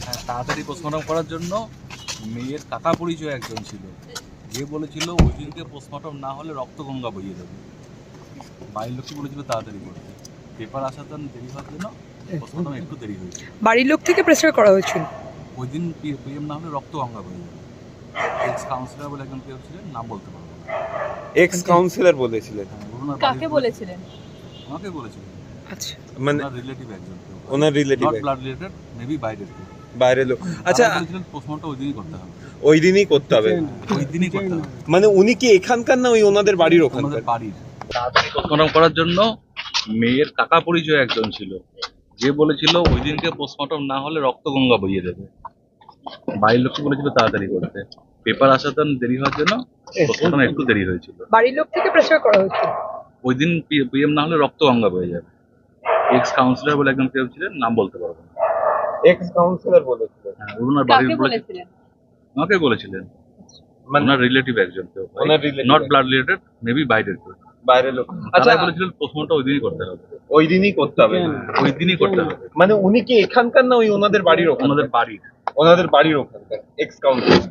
তাড়াতাড়ি পোস্টমর্টম করার জন্য মেয়ের কাকা পরিচয় একজন ছিল, যে বলেছিল ওই দিনকে পোস্টমর্টম না হলে রক্তগঙ্গা বইয়ে দেবে। বাড়ির লোককে বলেছিল তাড়াতাড়ি করতে, পেপার আসার জন্য দেরি হওয়ার জন্য পোস্টমর্টম একটু দেরি হয়েছে। বাড়ির লোক থেকে প্রেসার করা হয়েছিল ওই দিন পিএম না হলে রক্তগঙ্গা বইয়ে যাবে। এক্স কাউন্সিলর বলে একজন কেউ ছিলেন, নাম বলতে পারবো না। এক্স কাউন্সিলর বলেছিলেন? কাকে বলেছিলেন? আমাকে বলেছিলেন, আচ্ছা, মানে রিলেটিভ একজন কেউ, ওনার relative, not blood related, maybe বাইরের কেউ। বাইরের লোক। আচ্ছা, বলেছিলেন পোস্টমর্টম ওই দিনই করতে হবে, ওই দিনই করতে হবে। ওই দিনই করতে হবে। মানে উনি কি এখানকার না ওই ওনাদের বাড়ির ওখানকার? আমাদের বাড়ির। তাড়াতাড়ি পোস্টমর্টম করার জন্য মেয়ের কাকা পরিচয় একজন ছিল, যে বলেছিল ওই দিনকে পোস্টমর্টম না হলে রক্তগঙ্গা বইয়ে দেবে। বাড়ির লোককে বলেছিল তাড়াতাড়ি করতে, পেপার আসার জন্য দেরি হওয়ার জন্য পোস্টমর্টম একটু দেরি হয়েছিল। বাড়ির লোক থেকে প্রেসার করা হয়েছিল। ওই দিন পিএম না হলে রক্তগঙ্গা বয়ে যাবে। এক্স কাউন্সিলর বলে একজন কেউ ছিলেন, নাম বলতে পারবো না। এক্স কাউন্সিলর বলেছিলেন? ওনার কাকে বাড়ির বলেছিলেন? আমাকে বলেছিলেন, মানে ওনার রিলেটিভ একজন কেউ, ওনার relative not blood related, maybe বাইরের কেউ। বাইরের লোক। আচ্ছা, আচ্ছা, বলেছিলেন পোস্টমর্টম ওই দিনই করতে হবে, ওই দিনই করতে হবে। ওই দিনই করতে হবে। মানে উনি কি এখানকার না ওই ওনাদের বাড়ির ওখানকার? ওনাদের বাড়ির। ওনাদের বাড়ির ওখানকার এক্স কাউন্সিলর।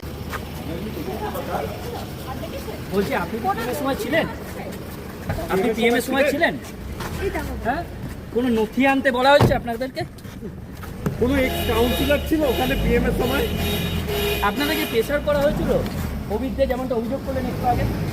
বলছি আপনি পিএম এর সময় ছিলেন? আপনি পিএম এর সময় ছিলেন? হ্যাঁ, কোনো নথি আনতে বলা হয়েছে আপনাদেরকে? কোনো এক্স কাউন্সিলর ছিল ওখানে পিএম এর সময়? আপনাদেরকে প্রেসার করা হয়েছিল অভিজ্ঞ, যেমনটা অভিযোগ করলেন একটু আগে?